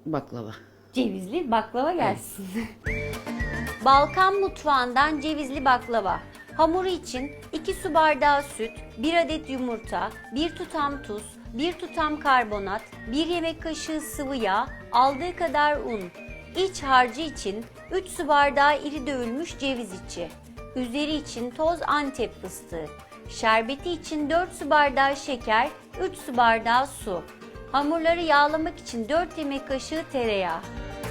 baklava. Cevizli baklava gelsin. Balkan mutfağından cevizli baklava. Hamuru için 2 su bardağı süt, 1 adet yumurta, 1 tutam tuz, 1 tutam karbonat, 1 yemek kaşığı sıvı yağ, aldığı kadar un. İç harcı için 3 su bardağı iri dövülmüş ceviz içi. Üzeri için toz Antep fıstığı. Şerbeti için 4 su bardağı şeker, 3 su bardağı su. Hamurları yağlamak için 4 yemek kaşığı tereyağı.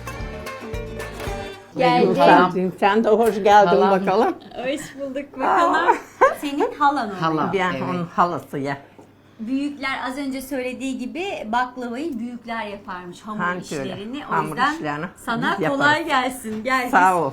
Geldi. Gülşah'cığım, sen de hoş geldin Halam. bakalım. Hoş bulduk bakalım. Senin halan oluyor. Halam. Ben Evet. onun halası ya. Büyükler az önce söylediği gibi baklavayı büyükler yaparmış hamur Hangi öyle? işlerini. O Hamur yüzden işlerini sana biz kolay yaparız. gelsin. Gel. Sağ ol.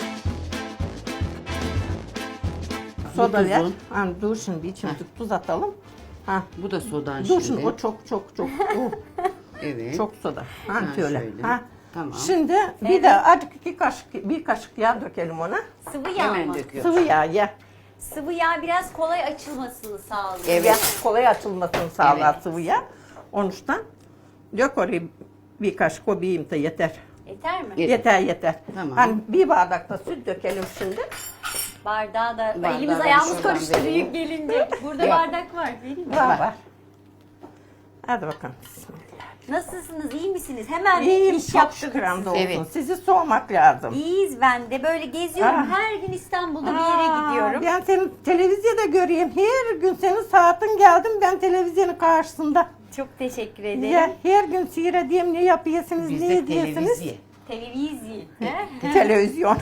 Soda ver. tuzun. Hani dur şimdi bir çimdik tuz atalım. Ha. Bu da sodan Dur şimdi. şimdi o çok. Evet. Çok soda. Hani Ha, şöyle. şöyle. Ha. Tamam. Şimdi bir de azıcık bir kaşık yağ dökelim ona. Sıvı yağ Hemen mı? döküyoruz. Sıvı yağ ya. Sıvı yağ biraz kolay açılmasını sağlıyor. Evet. Ya, kolay açılmasını sağlar Evet. sıvı yağ. Onuştan dök oraya bir kaşık o bir de yeter. Yeter mi? Yeter. Tamam. Hani bir bardak da süt dökelim şimdi. Bardağı da Bardağı elimiz ben ayağımız şuradan karıştı vereyim. büyük gelince. Burada Yok. bardak var. Vereyim mi? Var. Hadi bakalım. Bismillah. Nasılsınız? İyi misiniz? Hemen İyiyim, iş çok yaptınız. şükür hamdolsun. Evet. Sizi sormak lazım. İyiyiz ben de. Böyle geziyorum. Ah. Her gün İstanbul'da bir yere gidiyorum. Ben seni televizyonda göreyim. Her gün senin saatin geldim ben televizyonun karşısında. Çok teşekkür ederim. Ya, her gün seyredeyim ne yapıyorsunuz, Biz ne de ediyorsunuz. televizyon. Televizyon. he? Televizyon.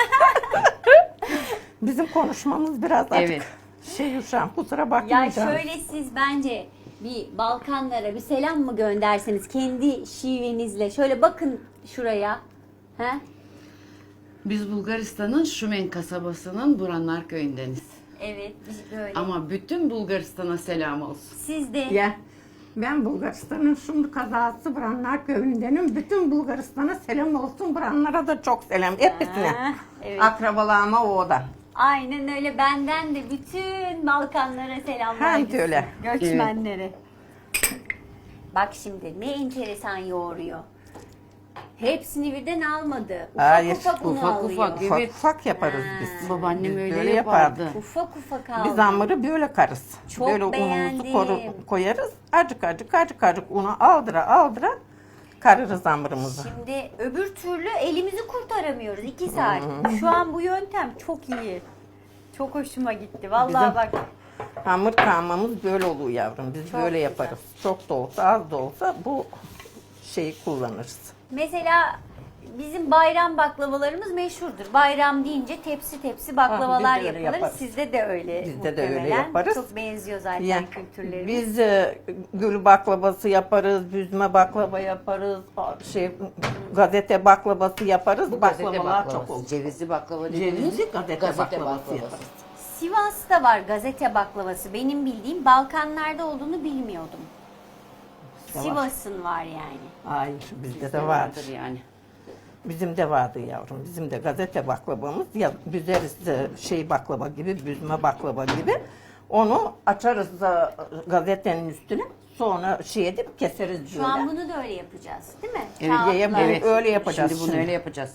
Bizim konuşmamız biraz açık. Evet. Uşağım kusura Ya bakmayacağım. şöyle siz bence bir Balkanlara bir selam mı gönderseniz kendi şivenizle. Şöyle bakın şuraya. He? Biz Bulgaristan'ın Şumen kasabasının Buranlar köyündeniz. Evet biz böyle. Ama bütün Bulgaristan'a selam olsun. Siz de Ya, ben Bulgaristan'ın şimdi kazası Buranlar köyündenim. Bütün Bulgaristan'a selam olsun. Buranlara da çok selam. Hepsine. Ha, evet. Akrabalarıma o da. Aynen öyle benden de bütün Balkanlara selamlar. Hem gitsin. öyle. Göçmenlere. Bak şimdi ne enteresan yoğuruyor. Hepsini birden almadı. Ufak Hayır, ufak unu ufak alıyor. ufak. Ufak Evet. ufak yaparız Ha. biz. Babaannem Biz öyle böyle yapardı. yapardı. Ufak ufak aldı. Biz hamuru böyle karız. Çok böyle beğendim. unumuzu koyarız. Acık unu aldıra karırız hamurumuzu. Şimdi öbür türlü elimizi kurtaramıyoruz 2 saat. Şu an bu yöntem çok iyi. Çok hoşuma gitti. Vallahi Bizim- bak. Hamur kavmamız böyle oluyor yavrum. Biz Çok böyle güzel. yaparız. Çok da olsa az da olsa bu şeyi kullanırız. Mesela bizim bayram baklavalarımız meşhurdur. Bayram deyince tepsi tepsi baklavalar biz de öyle yapılır. yaparız. Sizde de öyle. Bizde de öyle muhtemelen. yaparız. Çok benziyor zaten Ya, kültürlerimiz. biz gül baklavası yaparız, büzme baklava yaparız, gazete baklavası yaparız. Bu gazete Baklavalar baklavası. çok olur. Cevizli baklava Cevizli dediğimiz gazete baklavası yaparız. Sivas'ta var gazete baklavası. Benim bildiğim Balkanlarda olduğunu bilmiyordum. Var. Sivas'ın var yani. Hayır, bizde de vardır. vardır yani. Bizim de vardı yavrum. Bizim de gazete baklavamız. Ya büzeriz baklava gibi, büzme baklava gibi. Onu açarız da gazetenin üstüne. Sonra edip keseriz böyle. Şu an bunu da öyle yapacağız, değil mi? Evet, Kağıtla. evet. Öyle yapacağız Şimdi bunu şimdi. öyle yapacağız.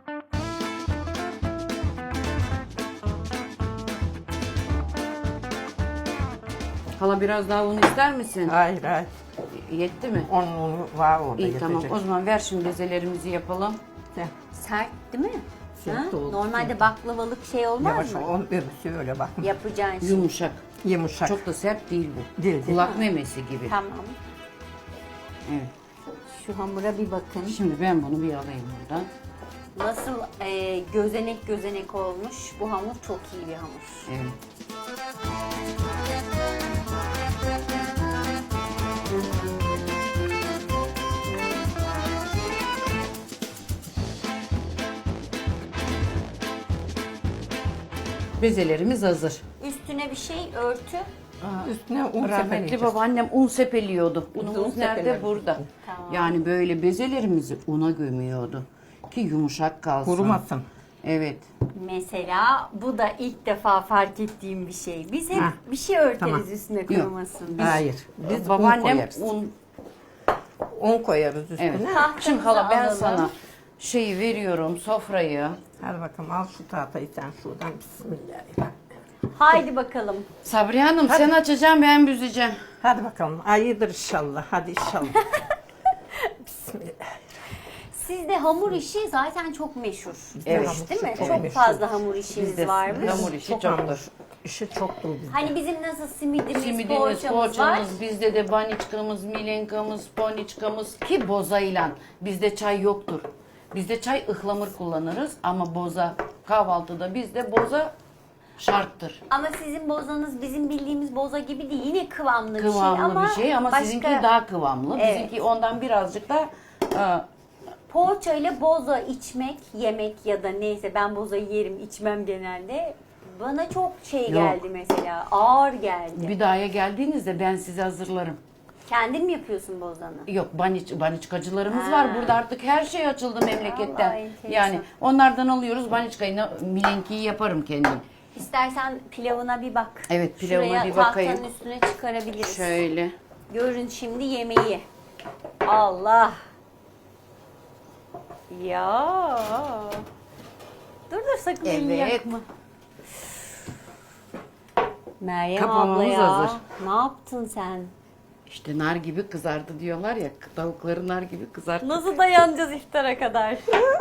Hala biraz daha un ister misin? Hayır. Yetti mi? Onun var orada İyi tamam. yetecek. O zaman ver şimdi bezelerimizi yapalım. Sen Sert değil mi? Sert Ha? oldu. Normalde baklavalık şey olmaz Yavaş mı? ol, öbürsü öyle bak. Yapacağın şey. Yumuşak. Yumuşak. Çok da sert değil bu. Değil. Kulak memesi gibi. Tamam. Evet. Şu hamura bir bakın. Şimdi ben bunu bir alayım buradan. Nasıl gözenek gözenek olmuş. Bu hamur çok iyi bir hamur. Evet. Bezelerimiz hazır. Üstüne bir şey örtü. Üstüne un Rahmetli sepeleyeceğiz. babaannem un sepeliyordu. Unumuz un nerede? sepeledik. Burada. Tamam. Yani böyle bezelerimizi una gömüyordu. Ki yumuşak kalsın. Kurumasın. Evet. Mesela bu da ilk defa fark ettiğim bir şey. Biz hep Ha, bir şey örteriz tamam. üstüne kurumasın. Hayır. Biz un Babaannem koyarız. un koyarız üstüne. Evet. Tahtamızı Şimdi hala ben alalım. sana şeyi veriyorum, sofrayı. Hadi bakalım al şu tahtayı sen şuradan. Bismillahirrahmanirrahim. Haydi bakalım. Sabriye Hanım sen açacaksın, ben büzeceğim. Hadi bakalım. Hayırdır inşallah. Hadi inşallah. Bismillah. Sizde hamur işi zaten çok meşhur. Evet. hamur Değil mi? işi Çok, çok meşhur. fazla hamur işiniz Bizde varmış. hamur işi Çok çoktur. hamur işi çoktur bizde. Hani bizim nasıl simidimiz, Simidimiz, poğaçamız var. poğaçamız, bizde de baniçkamız, milenkamız, poniçkamız ki bozayla. Bizde çay yoktur. Bizde çay ıhlamur kullanırız ama boza kahvaltıda bizde boza şarttır. Ama sizin bozanız bizim bildiğimiz boza gibi değil. Yine kıvamlı, Kıvamlı bir şey ama başka- sizinki daha kıvamlı. Evet. Bizimki ondan birazcık da Poğaça ile boza içmek, yemek ya da neyse ben bozayı yerim, içmem genelde. Bana çok şey Yok. geldi mesela, ağır geldi. bir dahaya geldiğinizde ben size hazırlarım. Kendin mi yapıyorsun bozanı? Yok baniçkacılarımız Ha. var. Burada artık her şey açıldı memleketten. Vallahi enteresan. Yani onlardan alıyoruz baniçkayı, milenkiyi yaparım kendim. İstersen pilavına bir bak. Evet, pilavına Şuraya bir bakayım. tahtanın üstüne çıkarabiliriz. Şöyle. Görün şimdi yemeği. Allah. Ya. Dur sakın elini Evet. yakma. Meryem Kapamamız abla ya. hazır. Ne yaptın sen? İşte nar gibi kızardı diyorlar ya. Tavukları nar gibi kızarttı. Nasıl dayanacağız iftara kadar?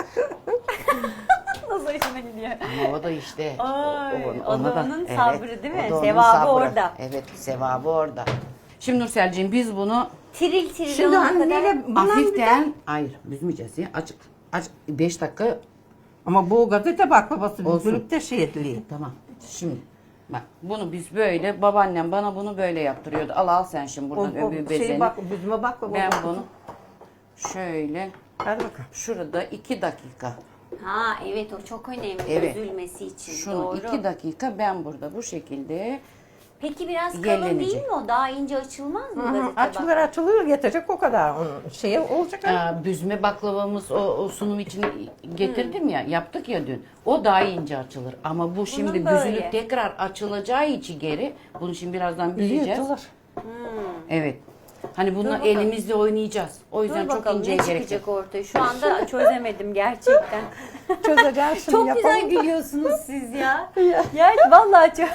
Nasıl hoşuna gidiyor? Ama o da işte. Ay, o ona da onun sabrı değil mi? o da onun Sevabı sabrı. orada. Evet, sevabı orada. Şimdi Nurselciğim biz bunu Tiril tiril Şimdi olana kadar. anneyle buna hafiften, hayır büzmeyeceğiz ya. Açık. 5 dakika ama bu gazete baklavası Olsun. büzülüp de şey ediliyor. tamam. Şimdi bak bunu biz böyle, babaannem bana bunu böyle yaptırıyordu. Al sen şimdi buradan öbür bezeni. Şey büzme baklava. Ben bunu şöyle Hadi bakalım. şurada 2 dakika. Ha evet o çok önemli Evet. üzülmesi için. Şunu Doğru. 2 dakika ben burada bu şekilde Peki biraz kalın Yerlenecek. değil mi o? Daha ince açılmaz mı gazete Açılır bak? açılır yetecek o kadar. Onun şeyi olacak. büzme baklavamız o sunum için getirdim ya, yaptık ya dün. O daha ince açılır ama bu şimdi böyle. büzülüp tekrar açılacağı için geri bunu şimdi birazdan büzeceğiz. Yırtılır. Evet. Hani bununla bakalım. elimizle oynayacağız. O yüzden Dur çok bakalım inceye ne gerek yok. çıkacak ortaya. Şu anda çözemedim gerçekten. Çözeceğiz şimdi Çok güzel yapalım. gülüyorsunuz siz ya. Ya vallahi çok...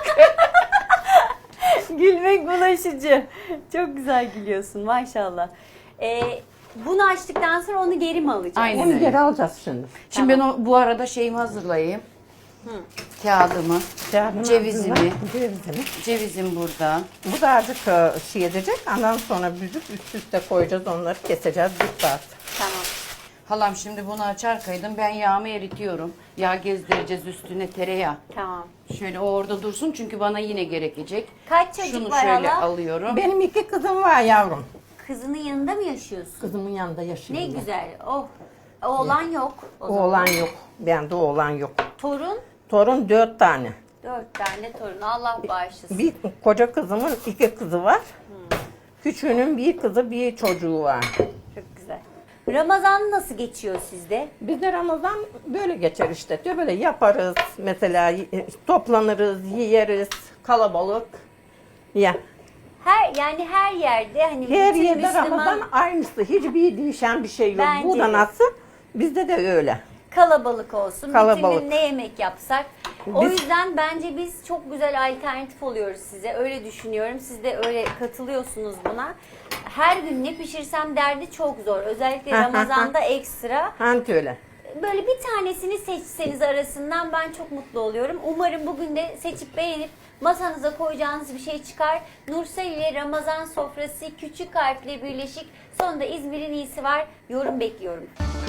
Gülmek bulaşıcı. Çok güzel gülüyorsun maşallah. Bunu açtıktan sonra onu geri mi alacağız? Aynen. Onu öyle. geri alacağız şimdi. Şimdi ben bu arada şeyimi hazırlayayım. Kağıdımı, cevizimi. Cevizim burada. Bu da azıcık şey edecek. Ondan sonra büzüp üst üste koyacağız. Onları keseceğiz. Bir saat. Tamam. Halam şimdi bunu açar kaydım. Ben yağımı eritiyorum. Yağ gezdireceğiz üstüne, tereyağı. Tamam. Şöyle o orada dursun çünkü bana yine gerekecek. Kaç çocuk Şunu var şöyle hala? alıyorum. Benim 2 kızım var yavrum. Kızının yanında mı yaşıyorsun? Kızımın yanında yaşıyorum. Ne ben. güzel. Oh. Oğlan yok. O zaman. Oğlan yok. Bende oğlan yok. Torun. Torun 4 tane. 4 tane torun. Allah bağışlasın. Bir koca kızımın 2 kızı var. Küçüğünün bir kızı bir çocuğu var. Çok güzel. Ramazan nasıl geçiyor sizde? Bizde Ramazan böyle geçer işte. Diyor böyle yaparız. Mesela toplanırız, yiyeriz. Kalabalık. Ya. Yani her yerde hani Her bütün yerde Müslüman Ramazan aynısı. Hiçbir değişen bir şey yok. Bence Bu da de. nasıl? Bizde de öyle. kalabalık olsun. Kalabalık. Bütün gün ne yemek yapsak. O Biz- yüzden bence biz çok güzel alternatif oluyoruz size. Öyle düşünüyorum. Siz de öyle katılıyorsunuz buna. Her gün ne pişirsem derdi çok zor. Özellikle Ramazan'da ekstra. Hani öyle. Böyle bir tanesini seçseniz arasından ben çok mutlu oluyorum. Umarım bugün de seçip beğenip masanıza koyacağınız bir şey çıkar. Nursel ile Ramazan sofrası küçük harfle birleşik. Sonunda İzmir'in iyisi var. Yorum bekliyorum.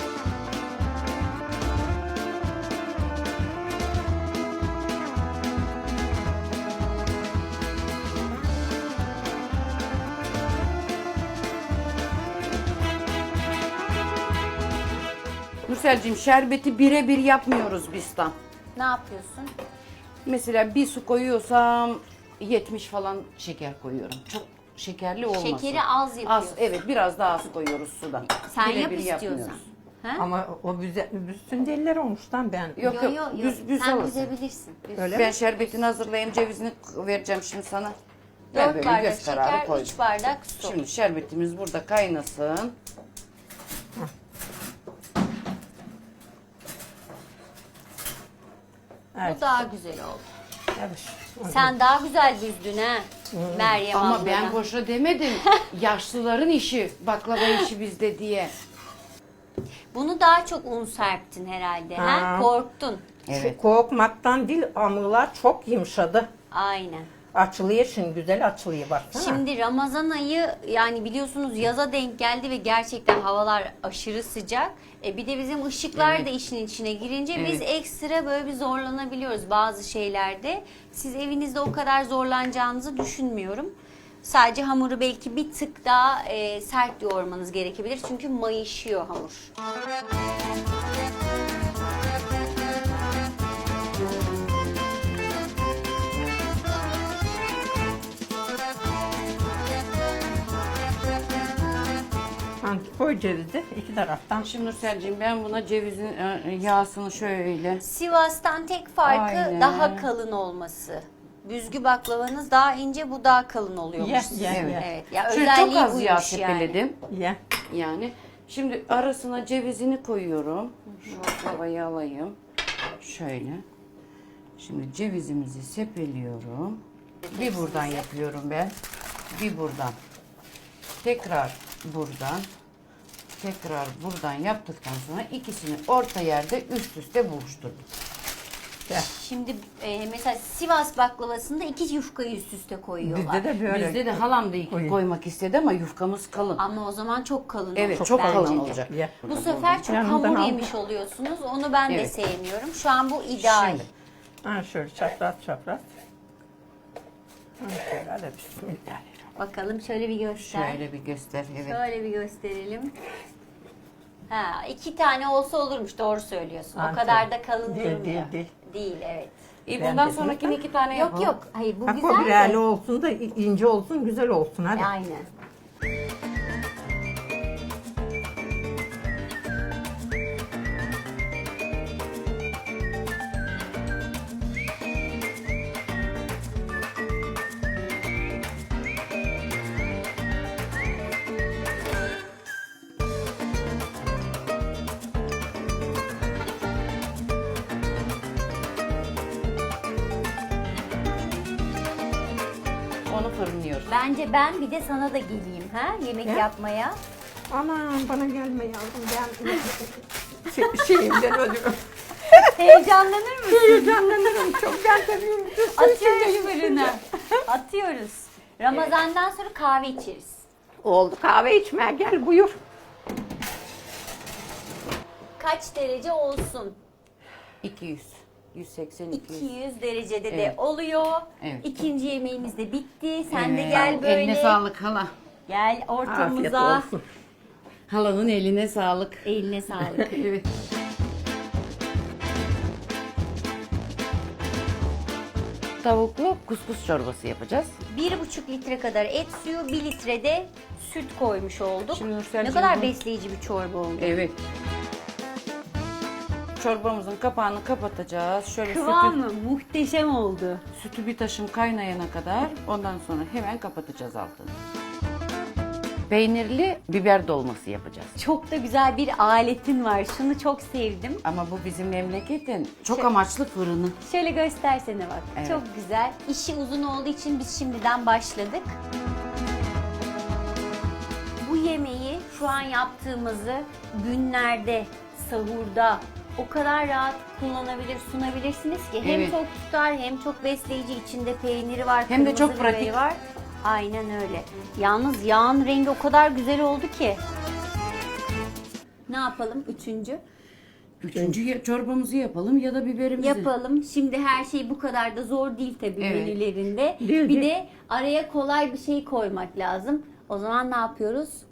Nurselciğim şerbeti birebir yapmıyoruz biz tam. Ne yapıyorsun? Mesela bir su koyuyorsam 70 falan şeker koyuyorum. Çok şekerli olmasın. Şekeri az yapıyorsun. Evet biraz daha az koyuyoruz sudan. Sen Birebir yap istiyorsan. yapmıyoruz. Ha? Ama o büzsün deliler olmuştan ben. Yok Yo, yok, yo, yo. büz Sen alırsın. büzebilirsin. Büz. Öyle Ben mi? şerbetini hazırlayayım, cevizini vereceğim şimdi sana. Ben 4 böyle bardak göz kararı şeker, koydum. 3 bardak su. Şimdi şerbetimiz burada kaynasın. Evet. Bu daha güzel oldu. Evet. Sen daha güzel büzdün ha. Meryem Ama ablana. ben boşa demedim. Yaşlıların işi, baklava işi bizde diye. Bunu daha çok un serptin herhalde. Ha? Ha. Korktun. Evet. Şu korkmaktan değil, hamurlar çok yumuşadı. Aynen. Açılıyor şimdi, güzel açılıyor baksana. Şimdi Ramazan ayı yani biliyorsunuz yaza denk geldi ve gerçekten havalar aşırı sıcak. Bir de bizim ışıklar Evet. da işin içine girince biz Evet. ekstra böyle bir zorlanabiliyoruz bazı şeylerde. Siz evinizde o kadar zorlanacağınızı düşünmüyorum. Sadece hamuru belki bir tık daha sert yoğurmanız gerekebilir. Çünkü mayışıyor hamur. Ha, koy cevizi iki taraftan. Şimdi Nurselciğim ben buna cevizin yağsını şöyle. Sivas'tan tek farkı Aynen. daha kalın olması. Büzgü baklavanız daha ince, bu daha kalın oluyormuş. Ye, sizin. ye, Evet. ye. Evet. Ya Şöyle çok özelliği az yağ buymuş yani. tepeledim. Ye. Yani şimdi arasına cevizini koyuyorum. Şu baklavayı alayım. Şöyle. Şimdi cevizimizi sepeliyorum. Bir buradan yapıyorum ben. Bir buradan. Tekrar buradan. Tekrar buradan yaptıktan sonra ikisini orta yerde üst üste buluşturdum. Şimdi mesela Sivas baklavasında 2 yufkayı üst üste koyuyorlar. Bizde de böyle. Bizde de halam da iki Koyun. koymak istedi ama yufkamız kalın. Ama o zaman çok kalın Evet, olur çok bence kalın de. olacak. Ye. Bu sefer çok Yanından hamur al. yemiş oluyorsunuz. Onu ben de Evet. sevmiyorum. Şu an bu ideal. Şimdi. Ha, şöyle çapraz çapraz. Ha, şöyle hadi bismillah. Bakalım şöyle bir göster. Şöyle bir göster. Evet. Şöyle bir gösterelim. Ha, 2 tane olsa olurmuş, doğru söylüyorsun. O Ha, kadar tabii. da kalın Değil, durmuyor. değil. Evet. Bundan Ben de- sonrakini 2 tane Yok yapalım. yok, hayır bu Ha, güzel o de. birerli olsun da ince olsun, güzel olsun hadi. Aynen. Onu fırınlıyoruz. Bence ben bir de sana da geleyim ha yemek Ne? yapmaya. Aman bana gelme yavrum, ben şeyimden ölüyorum. Heyecanlanır mısın? Heyecanlanırım çok, ben seviyorum. Atıyoruz fırına. Atıyoruz. Ramazandan sonra kahve içeriz. Oldu, kahve içmeye gel buyur. Kaç derece olsun? 200. 180 200. 200 derecede de Evet. oluyor. Evet. İkinci yemeğimiz de bitti. Sen de Evet. gel böyle. Eline sağlık hala. Gel Afiyet ortamıza. olsun. Halanın eline sağlık. Eline sağlık. Evet. Tavuklu kuskus çorbası yapacağız. 1,5 litre kadar et suyu, 1 litre de süt koymuş olduk. Şimdi Ne Nurselciğim kadar bu- besleyici bir çorba oldu. Evet. Çorbamızın kapağını kapatacağız. Şöyle Kıvamı muhteşem oldu. sütü bir taşım kaynayana kadar ondan sonra hemen kapatacağız altını. Peynirli biber dolması yapacağız. Çok da güzel bir aletin var. Şunu çok sevdim. Ama bu bizim memleketin çok amaçlı fırını. Şöyle göstersene bak. Evet. Çok güzel. İşi uzun olduğu için biz şimdiden başladık. Bu yemeği şu an yaptığımızı günlerde, sahurda o kadar rahat kullanabilir, sunabilirsiniz ki. Hem Evet. çok tutar, hem çok besleyici, içinde peyniri var, Hem de kırmızı çok biberi pratik. var. Aynen öyle. Yalnız yağın rengi o kadar güzel oldu ki. Ne yapalım? Üçüncü. Üçüncü çorbamızı yapalım ya da biberimizi. Yapalım. Şimdi her şey bu kadar da zor değil tabii Evet. menülerinde. Değil, bir değil. de araya kolay bir şey koymak lazım. O zaman ne yapıyoruz?